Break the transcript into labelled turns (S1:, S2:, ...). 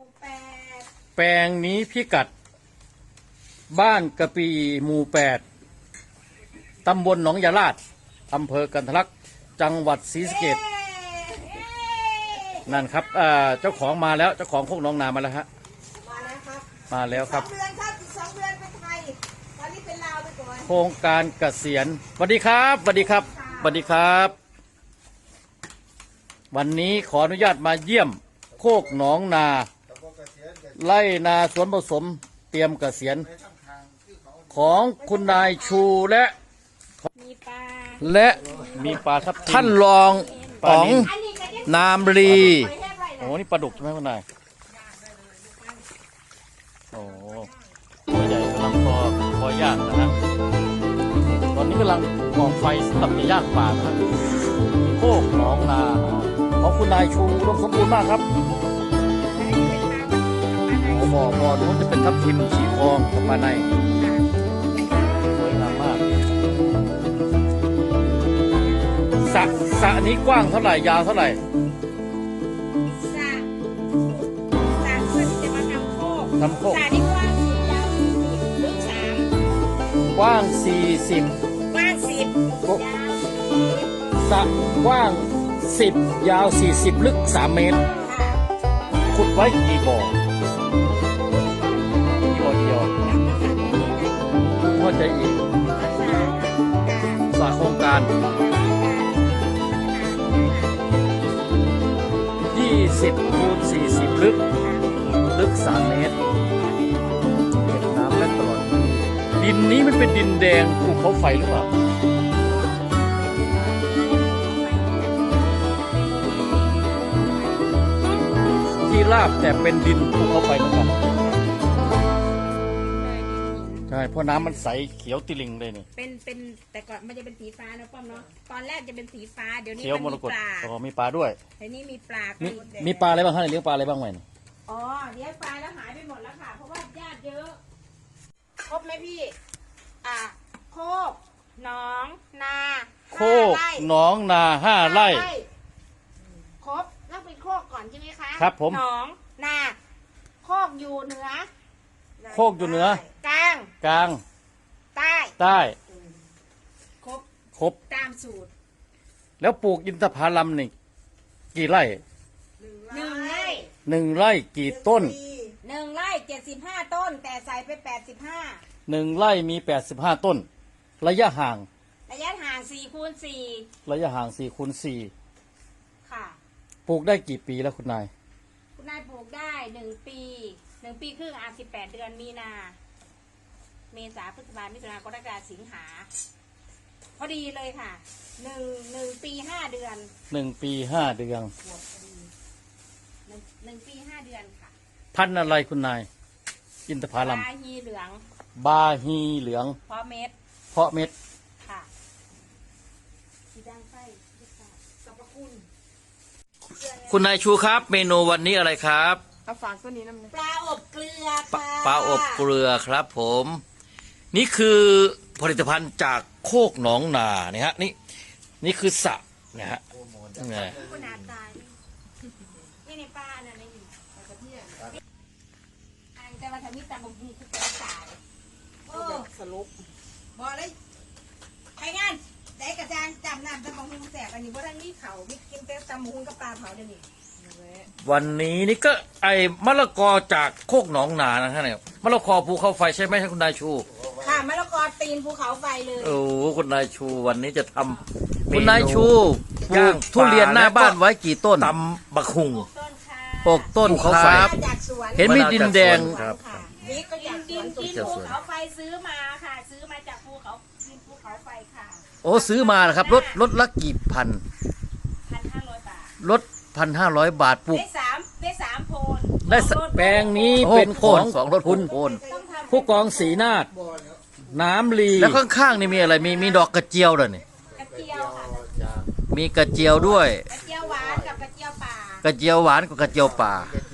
S1: แปลงนี้พิกัดบ้านกะปีหมู่8ตำบลหนองยาลาดอำเภอกันทะลักจังหวัดศรีสะเกษนั่นครับเจ้าของมาแล้วเจ้าของโคกหนองนามาแล้วฮะ
S2: มาแล้วครับ
S1: มาแล้วครับ
S2: 2 เดือนครับอีก2 เดือนเป็นไทยตอนนี้เป็นลาวไปก่อน
S1: โครงการเกษียณสวัสดีครับสวัสดีครับสวัสดีครับ วันนี้ขออนุญาตมาเยี่ยมโคกหนองนาไร่นาสวนผสมเตรียมเกษียณของคุณนายชูและมีปลาทับทิมท่านรองป๋องนามรีโอ้นี่ปลาดุกใช่ไหมคุณนายโอ้ตัวใหญ่กำลังพอย่างนะฮะตอนนี้กำลังก่อไฟสำหรับจะย่างปลาครับโคกหนองนาของคุณนายชูรวมสมบูรณ์มากครับบ่อนู้นจะเป็นทับทิมสีทองของมาในสวยงามมากสระนี้กว้างเท่าไหร่ยาวเท่าไหร่
S2: สระเพื่อที่จะมาทำโคกสระนี้กว้าง10 ยาว40ลึก3
S1: กว้าง40
S2: กว้าง10ยาว
S1: สระกว้าง10ยาว40ลึก3 เมตรขุดไว้กี่บ่อเดียวเข้าใจอีกสระโครงการ20 คูณ 40ลึก3 เมตรเก็บน้ำได้ตลอดดินนี้มันเป็นดินแดงภูเขาไฟหรือเปล่าที่ราบแต่เป็นดินภูเขาไฟเหมือนกันใช่เพราะน้ำมันใสเขียวติลิงเลยนี่
S2: เป็นแต่ก่อนมันจะเป็นสีฟ้านะป้อมเนาะตอนแรกจะเป็นสีฟ้าเดี๋ยวนี้
S1: เขียวมรกตอ๋อมีปลาด้วย
S2: เดี๋ยวนี้มีปลา
S1: มีปลาอะไรบ้างฮะเลี้ยงปลาอะไรบ้างไหม
S2: อ๋อเลี้ยงปลาแล้วหายไปหมดแล้วค่ะเพราะว่าญาติเยอะครบไหมพี่โคกหนองนา
S1: โคกหนองนา5 ไร่
S2: ครบต้องเป็นโคกก่อนใช่ไหมคะ
S1: ครับผม
S2: หนองนาโคกอยู่เหนือ
S1: โคกอยู่เหนือก
S2: ลางใต้ครบตามสูตร
S1: แล้วปลูกอินทผลัมนี่กี่ไร่1 ไร่กี่ต้น
S2: 1 ไร่75 ต้นแต่ใส่ไป85
S1: 1 ไร่มี85 ต้นระยะห่าง
S2: 4 คูณ 4
S1: ระยะห่าง4 คูณ 4
S2: ค่ะ
S1: ปลูกได้กี่ปีแล้วคุณนาย
S2: ปลูกได้1 ปี1 ปีครึ่ง18 เดือนมีนาเมษาพฤษภาคมมิถุนายนกรกฎาคมสิงหาพอดีเลยค่ะ1 ปี 5 เดือน
S1: 1 ปี 5 เดือน
S2: 1 ปี 5 เดือนค่ะ
S1: พันธุ์อะไรคุณนายอินทผลัม
S2: บาฮีเหลือง
S1: เพาะเม็ด
S2: ค่ะสีดังไฟสรรพ
S1: คุณนายชูครับเมนูวันนี้อะไรครับ
S2: ฝากตัวนี้น้ำปลาอบเกลือค่ะ
S1: ปลาอบเกลือครับผมนี่คือผลิตภัณฑ์จากโคกหนองนาเนี่ยฮะนี่คือสระเนี่ยฮะนี่
S2: คุณอาตายนี่ในปลาน่ะในอยู่แต่ว่าทำมิตรบุญคือจะตายสรุปบอกเลยไปงานได้กระจางจำน้ำตะบงหุงแสบอันนี้เพราะทั้งนี้เขาไม่กินแต่ตะมุงกับปลาเผาเดี๋ยวนี้
S1: วันนี้นี่ก็มะละกอจากโคกหนองนานะครับเนี่ยมะละกอภูเขาไฟใช่ไหมครับคุณนายชู
S2: ค่ะมะละกอตีนภูเขาไฟเลย
S1: โอ้คุณนายชูวันนี้จะทำคุณนายชูปลูกทุเรียนหน้าบ้านไว้กี่ต้นตำบักหุง6 ต้นครับเห็นมีดินแดง
S2: ครับนี่ก็จากดินภูเขาไฟซื้อมาค่ะซื้อมาจากภูเขาไฟค่ะ
S1: โอ้ซื้อมานะครับรถละกี่พัน
S2: 1,500 บาท
S1: รถ1,500 บาทปลูก
S2: ได้3 โพน
S1: ได้แปลงนี้เป็นของ2 รถคุณผู้กองศรีนาฏน้ำลีแล้วข้างๆนี่มีอะไรมีดอกกระเจียวด้วยนี่
S2: กระเจียวค่ะ
S1: มีกระเจียวด้วย
S2: กระเจียวหวานกับกระเจียวป่าก
S1: ระเจียวหวานกับกระเจียวป่า